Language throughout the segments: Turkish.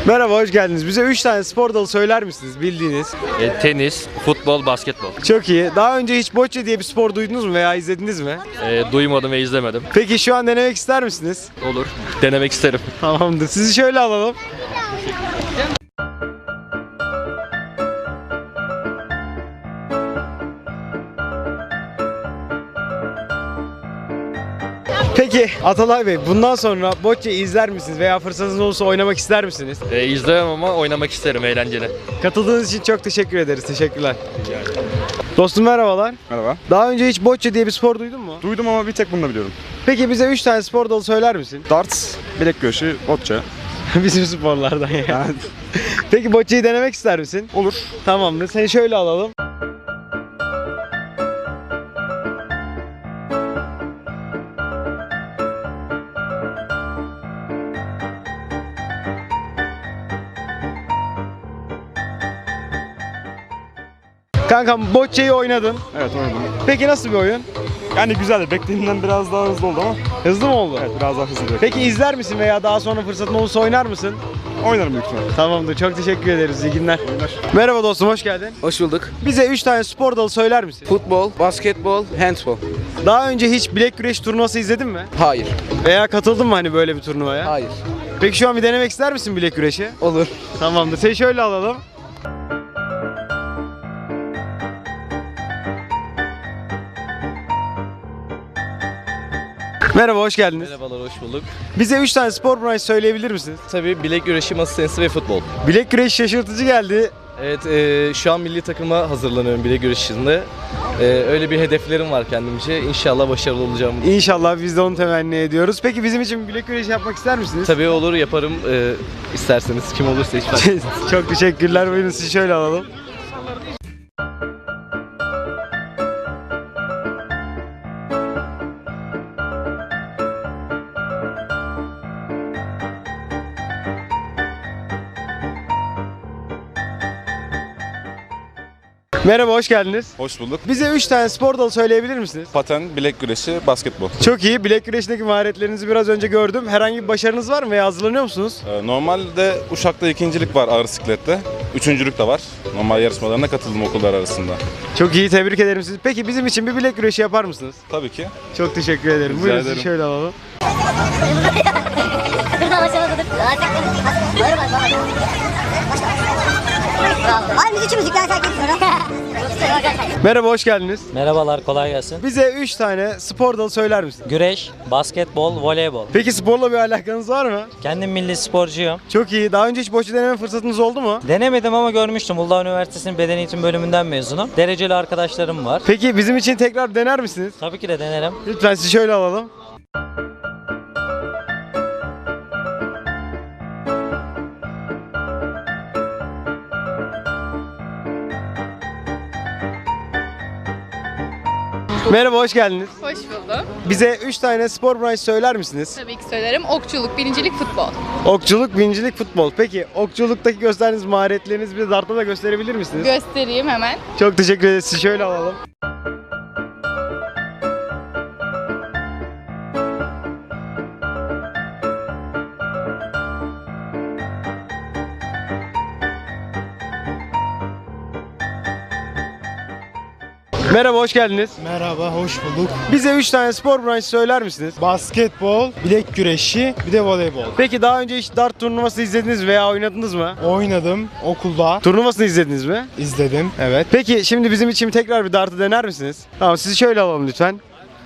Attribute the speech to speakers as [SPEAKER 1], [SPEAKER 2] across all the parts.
[SPEAKER 1] Merhaba, hoş geldiniz. Bize 3 tane spor dalı söyler misiniz bildiğiniz?
[SPEAKER 2] Tenis, futbol, basketbol.
[SPEAKER 1] Çok iyi. Daha önce hiç bocce diye bir spor duydunuz mu veya izlediniz mi?
[SPEAKER 2] Duymadım ve izlemedim.
[SPEAKER 1] Peki şu an denemek ister misiniz?
[SPEAKER 2] Olur. Denemek isterim.
[SPEAKER 1] Tamamdır. Sizi şöyle alalım. Peki Atalay Bey, bundan sonra bocce izler misiniz veya fırsatınız olursa oynamak ister misiniz?
[SPEAKER 2] İzlemem ama oynamak isterim, eğlenceli.
[SPEAKER 1] Katıldığınız için çok teşekkür ederiz. Teşekkürler. Dostum merhabalar.
[SPEAKER 3] Merhaba.
[SPEAKER 1] Daha önce hiç bocce diye bir spor duydun mu?
[SPEAKER 3] Duydum ama bir tek bunu da biliyorum.
[SPEAKER 1] Peki bize 3 tane spor dalı söyler misin?
[SPEAKER 3] Darts, bilek güreşi, bocce.
[SPEAKER 1] Bizim sporlardan ya.
[SPEAKER 3] Yani
[SPEAKER 1] Peki bocceyi denemek ister misin?
[SPEAKER 3] olur.
[SPEAKER 1] Tamamdır. Seni şöyle alalım. Kankam bocceyi oynadın.
[SPEAKER 3] Evet oynadım.
[SPEAKER 1] Peki nasıl bir oyun?
[SPEAKER 3] Yani güzeldi. Beklediğimden biraz daha hızlı oldu ama.
[SPEAKER 1] Hızlı mı oldu?
[SPEAKER 3] Evet biraz daha hızlı.
[SPEAKER 1] Peki izler misin veya daha sonra fırsatın olursa oynar mısın?
[SPEAKER 3] Oynarım büyük ihtimalle.
[SPEAKER 1] Tamamdır. Çok teşekkür ederiz. İyi günler. Merhaba dostum, hoş geldin.
[SPEAKER 4] Hoş bulduk.
[SPEAKER 1] Bize 3 tane spor dalı söyler misin?
[SPEAKER 4] Futbol, basketbol, handbol.
[SPEAKER 1] Daha önce hiç bilek güreş turnuvası izledin mi?
[SPEAKER 4] Hayır.
[SPEAKER 1] Veya katıldın mı hani böyle bir turnuvaya?
[SPEAKER 4] Hayır.
[SPEAKER 1] Peki şu an bir denemek ister misin bilek güreşi?
[SPEAKER 4] Olur.
[SPEAKER 1] Tamamdır. Seni şöyle alalım. Merhaba, hoş geldiniz.
[SPEAKER 5] Merhabalar, hoş bulduk.
[SPEAKER 1] Bize 3 tane spor branşı söyleyebilir misiniz?
[SPEAKER 5] Tabii bilek güreşi, masa tenisi ve futbol.
[SPEAKER 1] Bilek güreşi şaşırtıcı geldi.
[SPEAKER 5] Evet, şu an milli takıma hazırlanıyorum bilek güreşinde. Öyle bir hedeflerim var kendimce. İnşallah başarılı olacağım.
[SPEAKER 1] İnşallah biz de onu temenni ediyoruz. Peki bizim için bilek güreşi yapmak ister misiniz?
[SPEAKER 5] Tabii olur, yaparım. İsterseniz kim olursa hiç fark etmez.
[SPEAKER 1] Çok teşekkürler. Buyurun sizi şöyle alalım. Merhaba, hoş geldiniz.
[SPEAKER 3] Hoş bulduk.
[SPEAKER 1] Bize 3 tane spor dalı söyleyebilir misiniz?
[SPEAKER 3] Paten, bilek güreşi, basketbol.
[SPEAKER 1] Çok iyi. Bilek güreşindeki maharetlerinizi biraz önce gördüm. Herhangi bir başarınız var mı veya hazırlanıyor musunuz?
[SPEAKER 3] Normalde Uşak'ta ikincilik var ağır siklette. Üçüncülük de var. Normal yarışmalarına katıldım okullar arasında.
[SPEAKER 1] Çok iyi. Tebrik ederim sizi. Peki bizim için bir bilek güreşi yapar mısınız?
[SPEAKER 3] Tabii ki.
[SPEAKER 1] Çok teşekkür ederim.
[SPEAKER 3] Rica
[SPEAKER 1] Buyurun sizi
[SPEAKER 3] ederim.
[SPEAKER 1] şöyle alalım.
[SPEAKER 6] Var müzik müzikler terk etmiyorum.
[SPEAKER 1] Merhaba, hoş geldiniz.
[SPEAKER 7] Merhabalar, kolay gelsin.
[SPEAKER 1] Bize 3 tane spor dalı söyler misiniz?
[SPEAKER 7] Güreş, basketbol, voleybol.
[SPEAKER 1] Peki sporla bir alakanız var mı?
[SPEAKER 7] Kendim milli sporcuyum.
[SPEAKER 1] Çok iyi. Daha önce hiç bocce deneme fırsatınız oldu mu?
[SPEAKER 7] Denemedim ama görmüştüm. Uludağ Üniversitesi'nin beden eğitim bölümünden mezunum. Dereceli arkadaşlarım var.
[SPEAKER 1] Peki bizim için tekrar dener misiniz?
[SPEAKER 7] Tabii ki de denerim.
[SPEAKER 1] Lütfen sizi şöyle alalım. Merhaba, hoş geldiniz.
[SPEAKER 8] Hoş buldum.
[SPEAKER 1] Bize 3 tane spor branşı söyler misiniz?
[SPEAKER 8] Tabii ki söylerim. Okçuluk, birincilik, futbol.
[SPEAKER 1] Okçuluk, bincilik, futbol. Peki okçuluktaki gösterdiğiniz maharetlerinizi bir dartta da gösterebilir misiniz?
[SPEAKER 8] Göstereyim hemen.
[SPEAKER 1] Çok teşekkür ederiz. Sizi şöyle alalım. Merhaba, hoş geldiniz.
[SPEAKER 9] Merhaba, hoş bulduk.
[SPEAKER 1] Bize 3 tane spor branşı söyler misiniz?
[SPEAKER 9] Basketbol, bilek güreşi, bir de voleybol.
[SPEAKER 1] Peki daha önce hiç dart turnuvası izlediniz veya oynadınız mı?
[SPEAKER 9] Oynadım okulda,
[SPEAKER 1] Turnuvasını izlediniz mi?
[SPEAKER 9] izledim. Evet.
[SPEAKER 1] Peki şimdi bizim için tekrar bir dartı dener misiniz? Tamam, sizi şöyle alalım lütfen.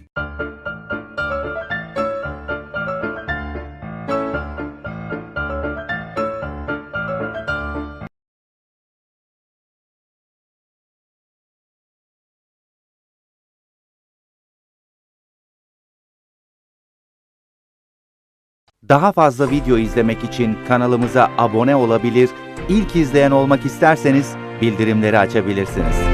[SPEAKER 10] Daha fazla video izlemek için kanalımıza abone olabilir, ilk izleyen olmak isterseniz bildirimleri açabilirsiniz.